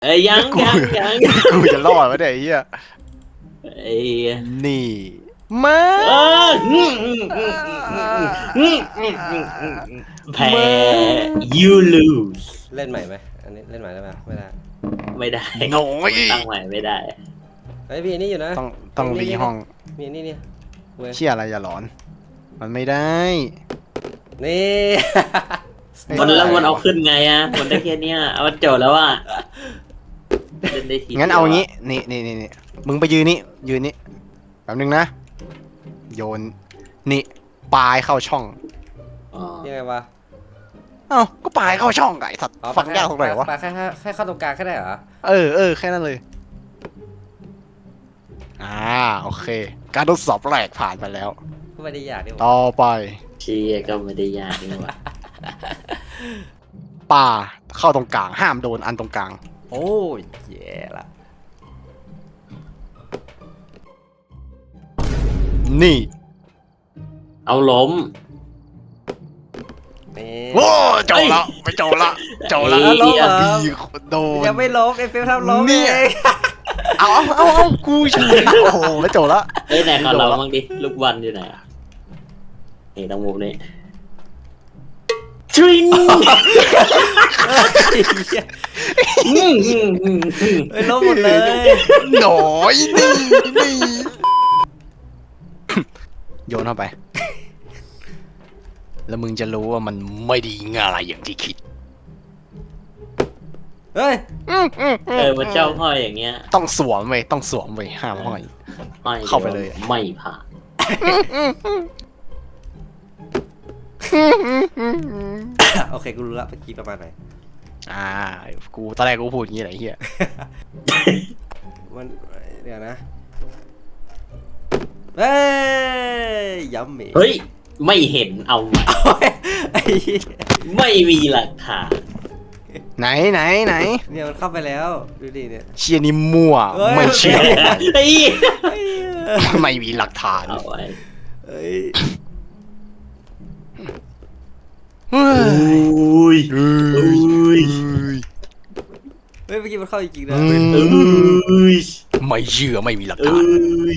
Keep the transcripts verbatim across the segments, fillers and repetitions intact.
เอ้ยยังยังยังกูจะรอดวะเนี่ยไอ้เหี้ยไอ้นี่มาเออแพ้ you lose เล่นใหม่ไหมอันนี้เล่นใหม่ได้ไหมไม่ได้ไม่ได้โง่ยตั้งใหม่ไม่ได้ไอ้พี่นี่อยู่นะต้องต้องรีห้องมีนี่นี่เชี่ยอะไรอย่าหลอน มันไม่ได้นี่มันแล้วมันเอาขึ้นไงอ่ะมันได้แค่เนี้ยเอาโจทย์แล้วอ่ะเล่นได้ทีงั้นเอางี้นี่นี่นี่นี่มึงไปยืนนี่ยืนนี่แป๊บนึงนะโยนนี่ปลายเข้าช่องยังไงวะเอ้าก็ปลายเข้าช่องไก่สัตว์ฟังยากตรงไหนวะปลาแค่แค่เข้าตรงกลางแค่ได้เหรอเออเออแค่นั้นเลยอ่าโอเคการทดสอบแรกผ่านไปแล้วไม่ได้ยากดิต่อไปเชียก็ไม่ได้ยากนี่หว่าป่าเข้าตรงกลางห้ามโดนอันตรงกลางโอ้ยแย่ละนี่เอาล้มโอ้โจละไปโจละโจละล้มดีโดนยังไม่ล้มไอ้เฟลทำล้มเองเอาเอาเอาเอากูเฉยโอ้โหแล้วโจละเฮ้ยไหนขอเราบ้างดิลูกบอลอยู่ไหนนี่ตรงมุมนี้ทริงไอ้ล้มหมดเลยหน่อยนี่นี่โยนเข้าไปแล้วมึงจะรู้ว่ามันไม่ดีง่ายอย่างที่คิดเฮ้ยเออมันเจ้าห้อยอย่างเงี้ยต้องสวมไว้ต้องสวมไว้ห้ามห้อยเข้าไปเลยไม่ผ่านโอเคกูรู้ละเมื่อกี้ประมาณไหนอ่ากูตอนแรกกูพูดอย่างนี้แหละเฮียมันเดี๋ยวนะเฮ้ยย้ำเมเฮ้ยไม่เห็นเอาใหม่ไม่มีหลักฐานไหนไหนไหนเนี่ยมันเข้าไปแล้วดูดิเนี่ยเชียนี่มั่วไม่เชื่อไม่มีหลักฐานเอาไว้เฮ้ยเฮ้ยเฮ้ยเฮ้ยเมื่อกี้มันเข้าจริงๆนะไม่เชื่อไม่มีหลักฐาน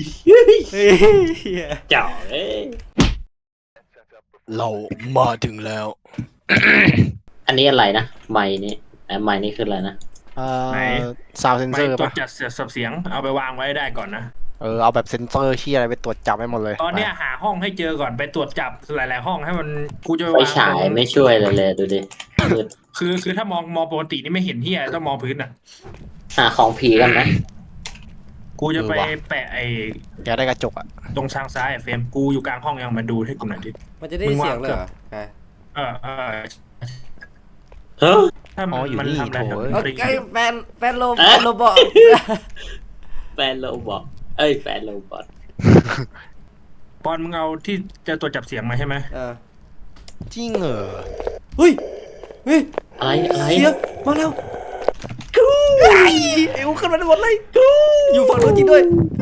เจ้าเอ้ยเรามาถึงแล้วอันนี้อะไรนะไมค์นี่ไอ้ไมค์นี่คืออะไรนะเอ่อซาวด์เซนเซอร์ป่ะตรวจจัดเสียงเอาไปวางไว้ได้ก่อนนะเออเอาแบบเซนเซอร์ที่อะไรไปตรวจจับให้หมดเลยตอนเนี้ยหาห้องให้เจอก่อนไปตรวจจับหลายๆห้องให้มันกูจะไปฉายไม่ช่วยเลยเลยดูดิคือคือถ้ามองมองปกตินี่ไม่เห็นที่อะไรต้องมองพื้นอ่ะหาของผีกันไหมกูจะไปแปะไอ้แกได้กระจกอ่ะตรงทางซ้ายเฟรมกูอยู่กลางห้องยังมาดูให้กูหน่อยดิมันจะได้เสียงเลยเหรอเออเออเฮ้ยถ้ามันทำอะไรไอ้แฟนแฟนโลแฟนโลบอทแฟนโลบอทเอ้ยแฟนโลบอทปอนมึงเอาที่จะตรวจจับเสียงมาใช่ไหมเออจริงเหรอเฮ้ยเฮ้ยอะไรอะไรเสียงมาแล้วกูเอวขึ้นมาได้หมดเลยกูอยู่ฝั่งโน้นจริงด้วย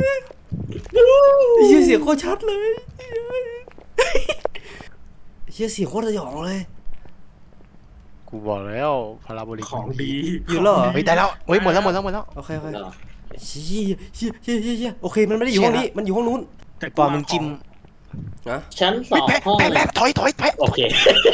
เสียงเสียงโคตรชัดเลยเสียงเสียงโคตรสยองเลยกูบอกแล้วพาราโบลิกของดีอยู่แล้วเหรอเฮ้ยได้แล้วเฮ้ยหมดแล้วหมดแล้วหมดแล้วโอเคโอเคเชี่ยเชี่ยเชี่ยเชี่ยโอเคมันไม่ได้อยู่ห้องนี้มันอยู่ห้องนู้นแต่ตอนมึงจิ้มนะชั้นสองห้องแพ้ถอยถอยแพ้โอเค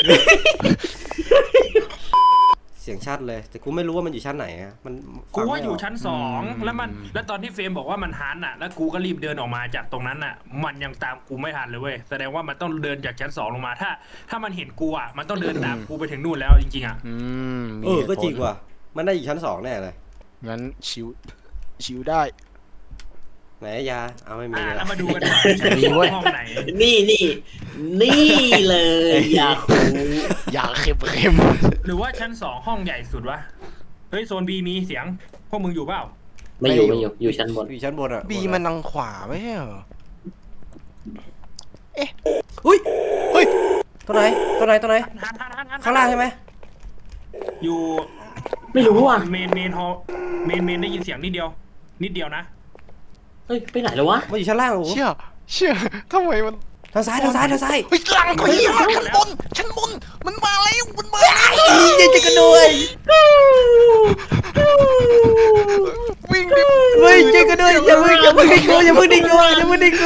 เสียงชัดเลยแต่กูไม่รู้ว่ามันอยู่ชั้นไหนอะมันกูว่าอยู่ชั้นสองแล้วมันแล้วตอนที่เฟรมบอกว่ามันหันอ่ะแล้วกูก็รีบเดินออกมาจากตรงนั้นอ่ะมันยังตามกูไม่ทันเลยเว้ยแสดงว่ามันต้องเดินจากชั้นสองลงมาถ้าถ้ามันเห็นกูอ่ะมันต้องเดินตามกูไปถึงนู่นแล้วจริงๆอ่ะเออก็จริงว่ะมันได้อยู่ชั้นสองแน่เลยงั้นชิวชิวได้ไหนยาเอาไม่มีแล้วมาดูกันห้องไหนนี่นี่นี่เลยยาคูยาเค็มเค็มหรือว่าชั้นสองห้องใหญ่สุดวะเฮ้ยโซนบีมีเสียงพวกมึงอยู่เปล่าไม่อยู่ไม่อยู่อยู่ชั้นบนอยู่ชั้นบนอ่ะบีมันทางขวาไม่ใช่เหรอเอ๊ะเฮ้ยเฮ้ยตัวไหนตัวไหนตัวไหนข้างล่างใช่ไหมอยู่ไม่รู้ว่ะเมนเมนฮอลเมนเมนได้ยินเสียงนิดเดียวนิดเดียวนะเฮ้ยไปไหนแล้ววะมันอยู่ชั้นล่างโอ้เชี่ยเชี่ยทำไมมันทางซ้ายทางซ้ายทางซ้ายเฮ้ยหลังกูยี่ชั้นบนชั้นบนมันมาแล้วมันมาแล้วจะจะกระโดดวิ่งดิเฮ้ยช่วยกันด้วยอย่ามึงอย่ามึงดิ้งกูอย่ามึงดิ้งกูอย่ามึงดิ้งกู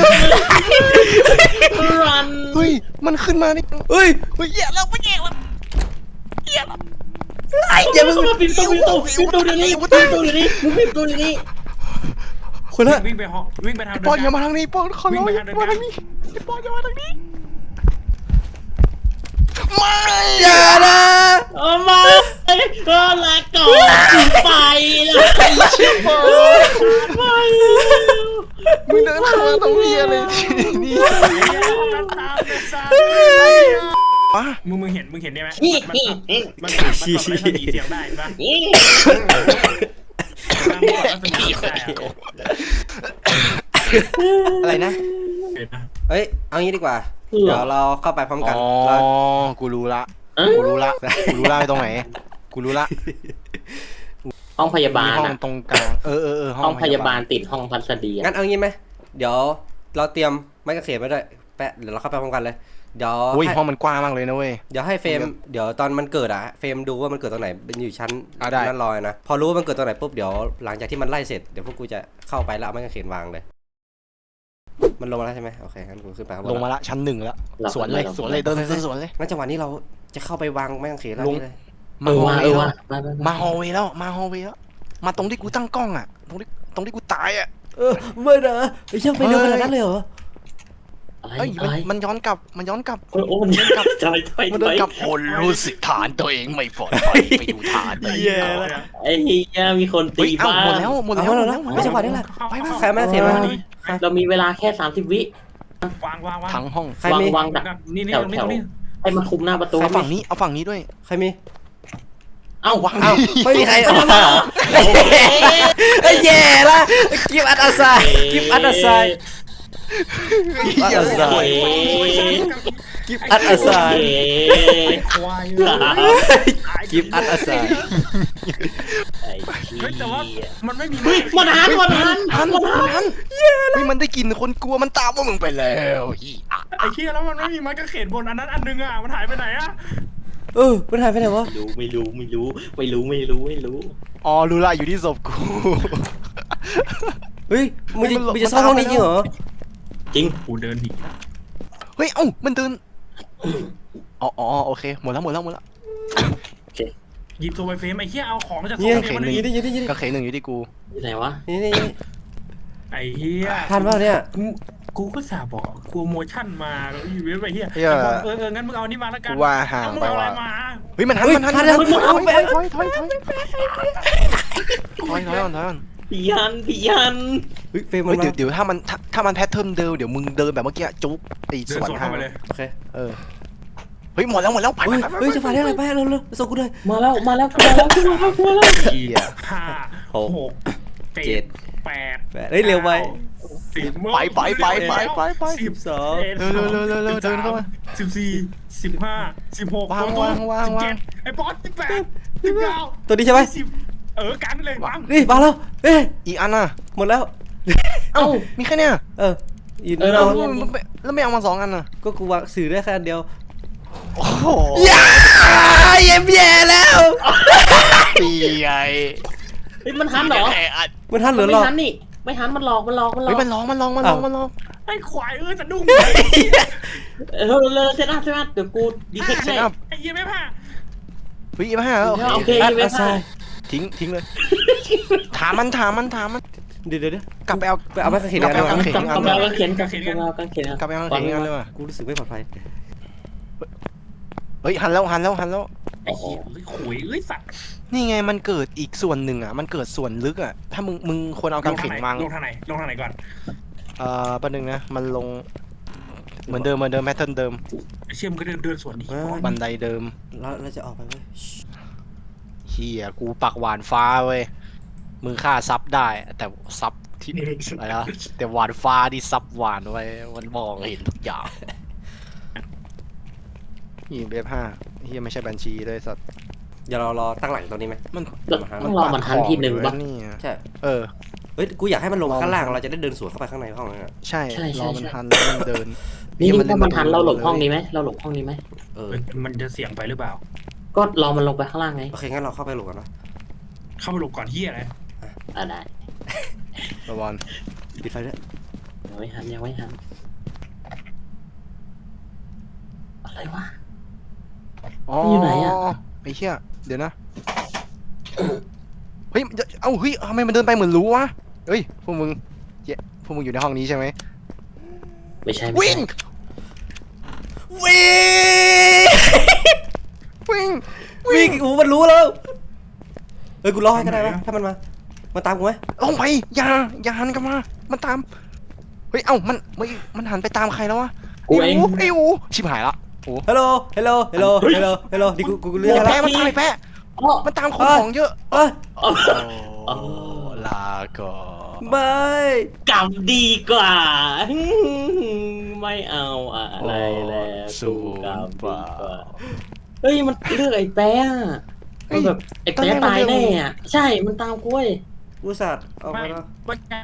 รันเฮ้ยมันขึ้นมานี่เฮ้ยเฮ้ยแย่แล้วไม่แย่แล้วไอ้อย่ามึงปิดประตูปิดประตูปิดประตูเดี๋ยวนี้ปิดประตูเดี๋ยวนี้มึงปิดประตูเดี๋ยวนี้คนละวิ่งไปห้องวิ่งไปทางปอนอย่ามาทางนี้ปอนขอร้องวิ่องไปย่าทางเดินมาทางนี้ไอ้ปอนอย่ามาทางนี้ไม่อย่านะเอามาก็ลาก่อนไปแล้ว ไปมึงเดินเข้ามาตรงนี้อะไรที่นี่ตามไปซะมามึงมึงเห็นมึงเห็นได้ไหมนี่มันนี่มันมันมันกดรัศมีเสียงได้ปะนี่มันกดรัศมีเสียงได้อะอะไรนะเห็นนะเฮ้ยเอางี้ดีกว่าเดี๋ยวเราเข้าไปพร้อมกันอ๋อเรากูรู้ละเอ้ากูรู้ละกูรู้ละตรงไหนกูรู้ละห้องพยาบามีลห้องอะตรงกลางเออเออเออห้องพยาบาลติดห้องพัสดีงั้อะนเอางี้ไหมเดี๋ยวเราเตรียมไม้กางเขนไว้ด้วยแปะเดี๋ยวเราเข้าไปพร้อมกันเลยเดี๋ยวโอ้ยให้ห้องมันกว้างมากเลยนะเว้ยเดี๋ยวให้เฟรมเดี๋ยวตอนมันเกิดอะเฟรมดูว่ามันเกิดตรงไหนเป็นอยู่ชั้นอ่ะได้นั่นลอยนะพอรู้ว่ามันเกิดตรงไหนปุ๊บเดี๋ยวหลังจากที่มันไล่เสร็จเดี๋ยวพวกกูจะเข้าไปแล้วเอาไม้กางเขนวางเลย มันลงมาแล้วใช่ไหมโอเคงั้นกูขึ้นไปข้างบนลงมาละชั้นหนึ่งแล้วสวนเลยสวนเลยเดินเดินสวนเลยงั้นจังหวะนี้เราจะเข้าไปวางไม้กางเขนแล้วลงนี่เลยเออว่าเออว่ามาฮอลเวย์แล้วมาฮอลเวย์แล้วมาตรงที่กูตั้งกล้องอ่ะตรงที่ตรงที่กูตายอ่ะเออไม่นะไอ้ช่างไปเร็วขนาดนั้นเลยเหรออะไรเอ้ยอะมันไรมันย้อนกลับมันย้อนกลับโอ้โอ้มันกลับใจถอยมันถเดินอยกลับคนรู้สึกฐานตัวเองไม่ปลอดภัยไปดูฐานเลยเย้แล้วไอ้เหี้ยมีคนเฮ้ตียเอ้าบ้าหมดแล้วหมดแล้วเอาหมแล้ดวแล้วนะหมดไม่แล้วใช่จังหวะนี้แหละไปไปใครไม่เสียมาเรามีเวลาแค่สามสิบวิวางวางวางทั้งห้องใครวางมีวางดักนี่นี่แถวตรงนี้แถตวรงนี้ให้มันคุมหน้าประตูเอาฝั่งนี้เอาฝั่งนี้ด้วยใครมีเอ้าวางเอ้าไม่มีใครเอามาไอ้แย่ละกิฟต์อัดอาซายกิฟต์อัดอาซายกิฟต์อัดอาซายกิฟต์อัดอาซายควายกิฟต์อัดอาซายไอ้เหี้เฮ้ยแต่ว่าย มันไม่มีเฮ้ยมันหันมันหันทันทันเฮ้ยมันได้กลินคนกลัวมันตามพวกมึงไปแล้วฮีอ่ะไอ้เหี้ยแล้วมันไม่มีไม้กางเขนบนอันนั้นอันนึงอ่ะมันหายไปไหนอ่ะเออมันหายไปไหนวะไม่รู้ไม่รู้ไม่รู้ไม่รู้ไม่รู้ไม่รู้อ๋อรู้ละอยู่ที่ศพกูเฮ้ยมึงจะมันหลบมึงจะซ่อนห้องนี้จริงเหรอจริงกูเดินหนีเฮ้ยเอ้ามันเดินอ๋ออ๋อโอเคหมดแล้วหมดแล้วหมดแล้วหยิบโซไวเฟมไอ้เหี้ยเอาของจากโซนี่ไวไงเฟมมานี่ดินี่นี่นี่ก็เคหนึ่งอยู่ที่กูอยู่ไหนวะนี่นี่นี่ไอ้เหี้ยทันเปล่าเนี่ยกูกูก็สาบอกกูโมชั่นมาแล้วอีเวนต์ไปเหี้ยเหี้ยเออเอองั้นมึงเอานี่มาแล้วกันกูว่าห่างแล้วมึงไปเอาอะไรว่ะมาเฮ้ยมันหันเฮ้ยมันหันทันมันแล้วหันมันหันถอยถอยถอยถอยถอยถอยถอยถอยก่อนถอยก่อนพี่ยันพี่ยันเฮ้ยเฟรมมัเฮ้นยมาเดี๋ยวเดี๋ยวถ้ามันถ้าถ้ามันแพทเทิร์นเดิมเดี๋ยวมึงเดินแบบเมื่อกี้จุ๊บไอ้เดิสนวนสวนทาเข้าง ไปเลยโอเคเออเฮ้ยหมดแล้วหมดแล้วไปเฮ้ยไปไปเฮ้ยจะผ่านได้อะไรไปเร็วเร็วส่งกูเลยมาแล้วมาแล้วมาแล้วมาแล้วมาแล้วเหี้ยห้าหกหกเจ็เจ็ดดแปดแปดเฮ้ยเร็วไปสิบไปไปไปไปไปไปสิบสองเร็วเร็วเร็วเร็วเร็วเดินเข้ามาสิบสี่สิบห้าสิบหกวางวางวางวางสิบเจ็ดไอ้บอสสิบแปดสิบเก้าตัวนี้ใช่ไหมสิบเออกันเลยวางนี่มาแล้วเอ้ยอีกอันน่ะหมดแล้วเอ้ามีแค่เนี้ยเอออีกเออเราแล้วไม่แล้วไม่เอามาสองอันน่ะก็กูวางสื่อได้แค่อันเดียวโอ้โหย่าเย็บแย่แล้วปีไงเฮ้ยมันหันเหรอแค่อันมันทันหรือไม่หรอหันนี่ไม่หันมันหลอกมันหลอกมันหลอเฮ้ยกมันร้องมันร้องมันร้องมันร้องไอ้ควายเออสะดุ้งเออเลยเซตอัพเซตอัพเดี๋ยวกูดีเทคเซให้ตอัพไอ้เหี้ยไม่ผ่าเฮ้ยมาห้าโอโอเคเคอัดไม่อาพซาลาดยทิ้งทิ้งเลย ถามมันถามมันถามมันเดี๋ยวเดี๋ยวเดี๋ยวกลับไปเอาไปเอาไม้กางเขนกลับกันไปดีกเอาว่ากางเขนกำลังเขียนกำลังเขียนกำลังเขียนกลับไปเอากางเขนกันเลยว่ะกูรู้สึกไม่ปลอดภัยเฮ้ยหันแล้วหันแล้วหันแล้วไอ้เหี้ยเอ้ยขวยเอ้ยสัตว์นี่ไงมันเกิดอีกส่วนหนึ่งอ่ะมันเกิดส่วนลึกอ่ะถ้ามึงมึงควรเอากางเขนวางลงทางไหนลงทางไหนก่อนเอ่อประเด็นงนะมันลงเหมือนเดิมเหมือนเดิมแพทเทิร์นเดิมไอ้เชี่ยมนก็เดินเดินสวนดิบันไดเดิมเราเราจะออกไปเว้ยเฮียกูปักหวานฟ้าเว้ยมึงฆ่าซับได้ แต่ซับที่อะไรนะแต่หวานฟ้าที่ซับหวานไว้มันมองเห็นทุกอย่างนี่เบฟห้าเฮียไม่ใช่บัญชีเลยสัตว์เดี๋ยวเรารอตั้งหลังตรงนี้ไหมมันต้องรอมันหันทีหนึ่งปาปะดคอเลยนี่อะใช่เออเฮ้ยกูอยากให้มันลงมาข้างล่างเราจะได้เดินสวนเข้าไปข้างในห้องนั้นอะใช่ใช่ใช่รอมันทันแล้วมันเดินนี่เหี้ยถ้ามันหันเราหลบห้องนี้เลยไหมเราหลบห้องนี้ไหมเออเอ้ยมันจะเสี่ยงไปหรือเปล่าก็รอมันลงไปข้างล่างไงโอเคงั้นเราเข้าไปหลบกันนะเข้าไปหลบก่อนเฮียอะไรอ่ะได้ระวังปิดไฟด้วยยังไม่หันยังไม่หันอะไรวะอ๋ออยู่ไหนอะไอ้เหี้ยเดี๋ยวนะเฮ้ยมันจะเอ้าเฮ้ยทำไมมันเดินไปเหมือนรู้วะเฮ้ยพวกมึงเจ๊พวกมึงอยู่ในห้องนี้ใช่ไหมไม่ใช่ไม่วิ่ใช่งวิ่งวิ่งวิ่งอูมันรู้แล้วเฮ้ยกูรอให้ก็ได้ปะถ้ามันมามาตามกูไหมลงไปอย่าอย่าหันกลับมามันตามเฮ้ยเอ้ามันมันมันหันไปตามใครแล้ววะกูเองไอ้อูชิบหายละโอ้ฮัลโหลฮัลโหลฮัลโหลฮัลโหลฮัลโหลดิกูกูเลือกไอ้แล้วแปะมันตามไอ้แปะอ๋อมันตามคนของเยอะเอ้ยอ๋อโอ้ลาก่อนบายกลับดีกว่า ไม่เอาอะไรแล้วสูกูกลับงดีเปล่ากว่าเฮ้ยมันเลือกไอ้แป๊ะอะมันแบบไอ้แป๊ะตายแน่อะใช่มันตามกูเว้ยกูสัตว์เอาไม่มาแล้วไม่ใช่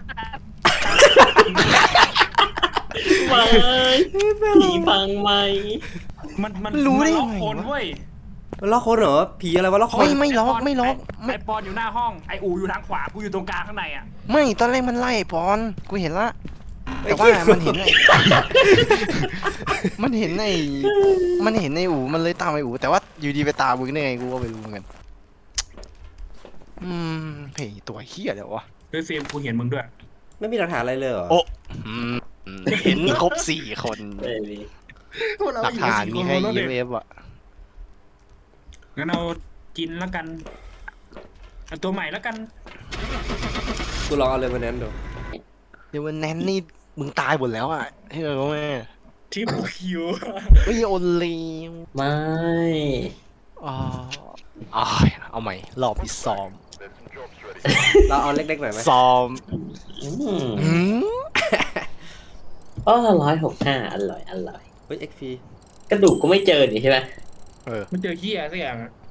ไม่ผีพังไหมมันมันรู้ได้มันล็อกไงคนวะเว้ยมันล็อกคนเหรอผีอะไรวะล็อกคไม่นไม่ล็อกไม่ล็อกไม่ไอปอนอยู่หน้าห้องไออูอยู่ทางขวากูอยู่ตรงกลางข้างในอ่ะไม่ตอนแรกมันไล่ปอนกูเห็นละแต่ว่ามันเห็นไอ้ มันเห็นไอ้มันเห็นไอ้อูมันเลยตามไอ้อูแต่ว่าอยู่ดีไปตามมึงได้ไงกูก็ไม่รู้เหมือนกันอืมเฮ้ยตัวเฮียเดี๋ยววะเฮ้ยเฟรมกูเห็นมึงด้วยไม่มีหลักฐานอะไรเลยเหรอโอ้ อืมอืมเห็นครบสี่คนเอ้ยนี่หลักฐานมีให้ อี เอฟ เอฟอ่ะงั้นเอากินแล้วกันเอาตัวใหม่แล้วกันกูลองเอาเลยมาแนนดูเดี๋ยววันนั้นนี่มึงตายหมดแล้วอ่ะเฮ้ยรู้ไหมทิปคิวเฮ้ยโอนเลวไม่อ๋ออ้ายเอาใหม่รอบที่ซ้อมเราเอาเล็กๆหน่อยไหมซ้อมอืมอืมอ๋อร้อยหกห้าอร่อยอร่อยเฮ้ยเอ็กพีกระดูกก็ไม่เจอนี่ใช่ไหมเออมันเจอเฮียสักอย่างอะ